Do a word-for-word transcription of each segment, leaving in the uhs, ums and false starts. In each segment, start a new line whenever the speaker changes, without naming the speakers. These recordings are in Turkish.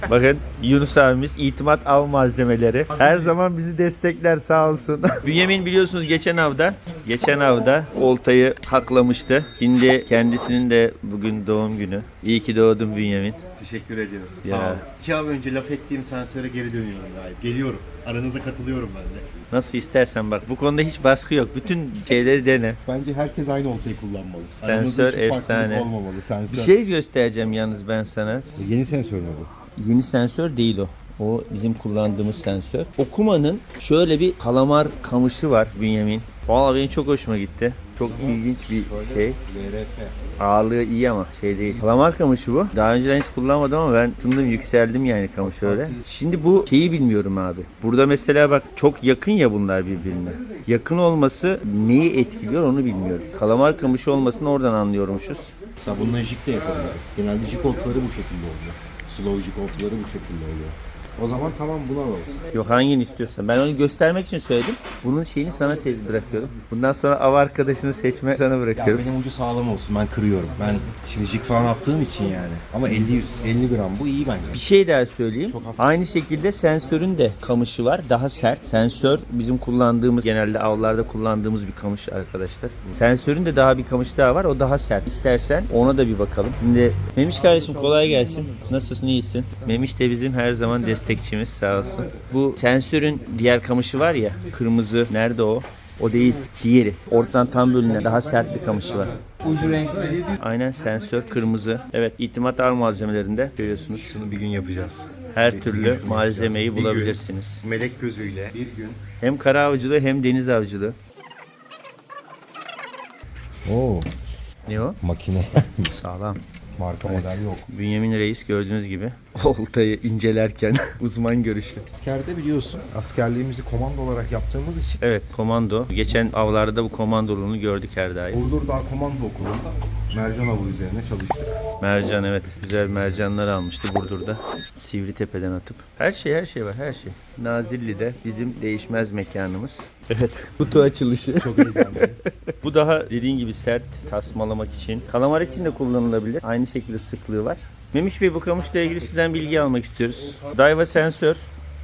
Bakın Yunus abimiz itimat av malzemeleri. Her zaman bizi destekler sağ olsun. Bünyamin biliyorsunuz geçen avda geçen avda oltayı haklamıştı. Şimdi kendisinin de bugün doğum günü. İyi ki doğdun Bünyamin.
Teşekkür ediyoruz.
Ya.
Sağ olun. İki av önce laf ettiğim sensöre geri dönüyorum gayet. Geliyorum. Aranıza katılıyorum ben de.
Nasıl istersen bak. Bu konuda hiç baskı yok. Bütün şeyleri dene.
Bence herkes aynı oltayı kullanmalı.
Sensör
Aranızda hiçbir farklılık
efsane.
olmamalı. Sensör.
Bir şey göstereceğim yalnız ben sana.
Yeni sensör mü bu?
Yeni sensör değil o. O bizim kullandığımız sensör. Okuma'nın şöyle bir kalamar kamışı var Bünyamin. Vallahi benim çok hoşuma gitti. Çok ilginç bir şey.
V R F.
Ağırlığı iyi ama şey değil. Kalamar kamışı bu. Daha önceden hiç kullanmadım ama ben ısındım, yükseldim yani kamış öyle. Şimdi bu şeyi bilmiyorum abi. Burada mesela bak çok yakın ya bunlar birbirine. Yakın olması neyi etkiliyor onu bilmiyorum. Kalamar kamışı olmasını oradan anlıyormuşuz.
Mesela bununla jig de yapabiliriz. Genelde jig oltaları bu şekilde oluyor. Slow jig oltaları bu şekilde oluyor. O zaman tamam buna alalım.
Yok hangini istiyorsan. Ben onu göstermek için söyledim. Bunun şeyini sana seç bırakıyorum. Bundan sonra av arkadaşını seçme sana
Ya
bırakıyorum.
benim ucu sağlam olsun, ben kırıyorum. Ben şimdi jig falan attığım için yani. Ama elli yüz elli gram bu iyi bence.
Bir şey daha söyleyeyim.
Çok hafif.
Aynı şekilde sensörün de kamışı var. Daha sert. Sensör bizim kullandığımız, genelde avlarda kullandığımız bir kamış arkadaşlar. Sensörün de daha bir kamış daha var. O daha sert. İstersen ona da bir bakalım. Şimdi Memiş kardeşim kolay gelsin. Nasılsın? İyisin? Memiş de bizim her zaman destekçimiz sağ olsun. Bu sensörün diğer kamışı var ya. Kırmızı. Nerede o? O değil. Diğeri. Ortadan tam bölünen daha sert bir kamışı var.
Ucu renkli.
Aynen sensör kırmızı. Evet itimat al malzemelerinde görüyorsunuz.
Şunu bir gün yapacağız.
Her
Bir
türlü
gün şunu
malzemeyi
yapacağız. Bir gün
bulabilirsiniz.
melek gözüyle bir gün.
Hem kara avcılığı hem deniz avcılığı.
Oo,
Ne o?
makine.
Sağlam.
Marka model yok.
Bünyamin Reis gördüğünüz gibi oltayı incelerken uzman görüşü.
Askerde biliyorsun, askerliğimizi komando olarak yaptığımız için
Evet komando. Geçen avlarda bu komandoluğunu gördük her daim.
Burdur Dağ Komando Okulu'nda mercan avı üzerine çalıştık.
Mercan evet. Güzel mercanlar almıştı Burdur'da. Sivritepe'den atıp. Her şey her şey var her şey. Nazilli'de bizim değişmez mekanımız. Evet. Kutu açılışı.
Çok heyecanlıyız.
Bu daha dediğin gibi sert tasmalamak için. Kalamar için de kullanılabilir. Aynı şekilde sıklığı var. Memiş Bey bu kamışla ilgili sizden bilgi almak istiyoruz. Daiwa sensör.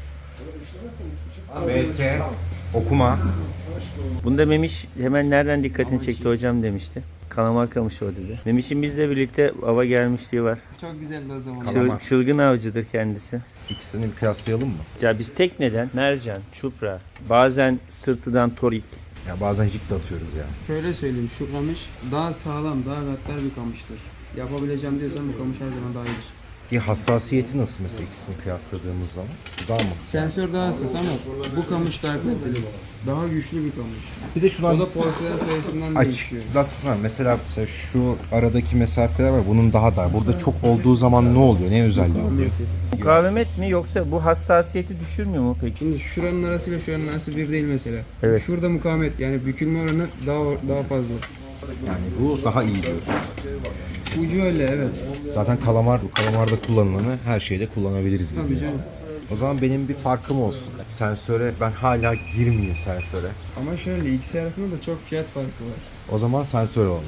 V S okuma.
Bunda Memiş hemen nereden dikkatini çekti hocam demişti. Kalamar kamışı o dedi. Memiş'in bizle birlikte ava gelmişliği var.
Çok güzeldi o zaman.
Çıl-
Kalamar.
çılgın avcıdır kendisi.
İkisini bir kıyaslayalım mı?
Ya biz tekneden mercan, çupra, bazen sırtıdan torik.
Ya bazen jig de atıyoruz ya.
Şöyle söyleyeyim, şu kamış daha sağlam, daha gaddar bir kamıştır. Yapabileceğim diyorsan bu kamış her zaman daha iyidir.
Bir hassasiyeti nasıl mesela ikisini kıyasladığımız zaman? Daha mı?
Sensör daha hassas ama bu kamış daha kaliteli. Daha güçlü bir kamış.
Bir de şunu
O da porselen sayısından
aç.
değişiyor.
Biraz, ha, mesela, mesela şu aradaki mesafeler var. Bunun daha da. Burada çok olduğu zaman ne oluyor? Ne özelliği oluyor?
Mukavemet mi yoksa bu hassasiyeti düşürmüyor mu peki?
Şimdi şuranın arasıyla şuranın arası bir değil mesela.
Evet.
Şurada mukavemet yani bükülme oranı daha daha fazla.
Yani bu daha iyi diyorsun.
Ucu öyle evet.
Zaten kalamar, bu kalamarda kullanılanı her şeyde kullanabiliriz gibi.
Tabii canım.
O zaman benim bir farkım olsun. Sensöre, ben hala girmeyeyim sensöre.
Ama şöyle ikisi arasında da çok fiyat farkı var.
O zaman sensör olalım.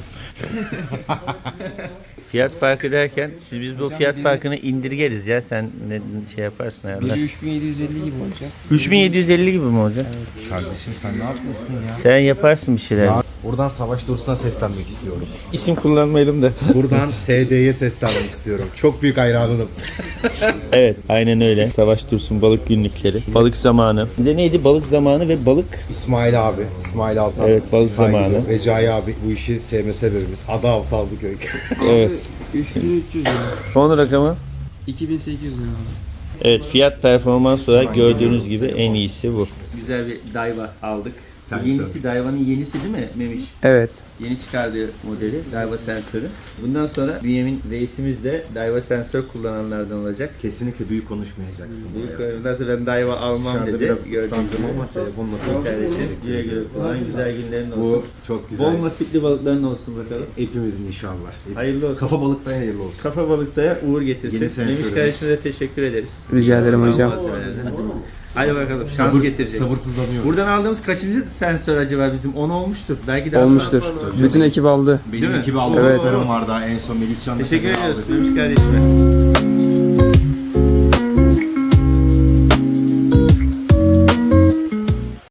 Fiyat farkı derken siz biz bu fiyat farkını indirgeriz ya sen ne şey yaparsın ayarlar.
Biri üç bin yedi yüz elli gibi olacak.
üç bin yedi yüz elli gibi mi olacak?
Kardeşim sen ne yapıyorsun ya?
Sen yaparsın bir şeyler.
Ya buradan Savaş Dursun'a seslenmek istiyorum.
İsim kullanmayalım da.
Buradan S D'ye seslenmek istiyorum. Çok büyük hayranınım.
Evet aynen öyle. Savaş Dursun balık günlükleri. Balık zamanı. Bir de neydi? Balık zamanı ve balık.
İsmail abi, İsmail Altan.
Evet, balık
Saygılı.
zamanı.
Recai abi bu işi sevme sebebimiz. Adav Sazlıköy.
Evet.
üç bin üç yüz lira.
Son rakamı?
iki bin sekiz yüz lira.
Evet fiyat performans olarak gördüğünüz gibi en iyisi bu. Güzel bir Daiwa aldık.
Sensör.
Yenisi Daiwa'nın yenisi değil mi Memiş?
Evet.
Yeni çıkardığı modeli Daiwa sensörü. Bundan sonra Bünyamin reisimiz de Daiwa sensör kullananlardan olacak.
Kesinlikle büyük konuşmayacaksın.
Büyük bundan sonra ben Daiwa almam
Dışarıda
dedi.
biraz
Gördüğünüz
ıslandım
gibi.
ama telefonla
Kardeşim güle güle kullan. Güzel günlerin olsun.
Bu çok güzel.
Bol nasipli balıkların olsun bakalım.
Hepimizin inşallah.
Hayırlı olsun.
Kafa balıktan hayırlı olsun.
Kafa balıktaya uğur
Yeni
getirsin.
sensörümüz.
Memiş kardeşime de teşekkür ederiz.
Rica ederim hocam.
Hadi bakalım şans
Sabır,
getirecek.
sabırsızlanıyorum.
Buradan aldığımız kaçıncı sensör acaba bizim? on olmuştur. Belki daha
Olmuştur.
fazla.
Bütün ekip aldı.
Benim
Değil mi?
ekibi aldım.
Evet.
var daha en son Melihcan'la.
Teşekkür
kadar
ediyoruz
aldık.
Memiş kardeşime.